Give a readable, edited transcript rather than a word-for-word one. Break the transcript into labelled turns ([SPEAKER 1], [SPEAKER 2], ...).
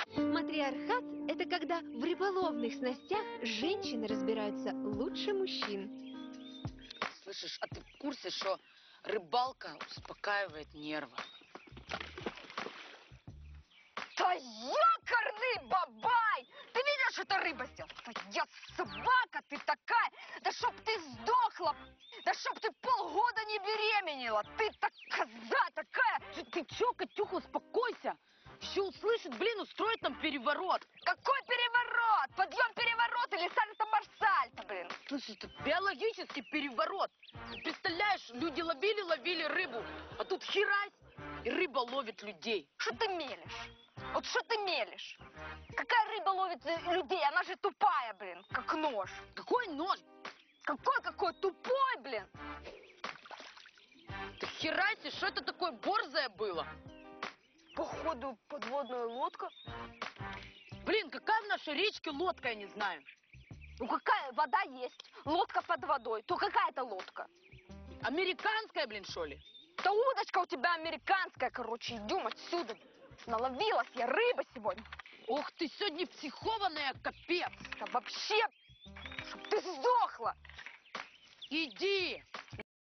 [SPEAKER 1] Матриархат– это когда в рыболовных снастях женщины разбираются лучше мужчин.
[SPEAKER 2] Слышишь, а ты в курсе, что рыбалка успокаивает нервы?
[SPEAKER 3] Да якорный бабай! Ты видишь, что это рыба сделала? Я собака, ты такая! Да чтоб ты сдохла! Да чтоб ты полгода не беременела! Ты так коза такая!
[SPEAKER 2] Ты чё, Катюха, успокойся! Еще услышит, блин, устроит нам переворот!
[SPEAKER 3] Какой переворот? Подъем переворот или сальто-марсальто, блин?
[SPEAKER 2] Слушай, это биологический переворот! Представляешь, люди ловили рыбу, а тут херась, и рыба ловит людей.
[SPEAKER 3] Что ты мелешь? Вот что ты мелешь? Какая рыба ловит людей? Она же тупая, блин, как нож.
[SPEAKER 2] Какой нож?
[SPEAKER 3] Какой тупой, блин?
[SPEAKER 2] Ты херайся, что это такое борзое было?
[SPEAKER 3] Походу, подводная лодка.
[SPEAKER 2] Блин, какая в нашей речке лодка, я не знаю.
[SPEAKER 3] Ну какая вода есть, лодка под водой. То какая это лодка?
[SPEAKER 2] Американская, блин, что ли?
[SPEAKER 3] Да удочка у тебя американская, короче. Идем отсюда. Наловилась я рыбы сегодня.
[SPEAKER 2] Ох, ты сегодня психованная, капец.
[SPEAKER 3] Да вообще, чтоб ты сдохла.
[SPEAKER 2] Иди.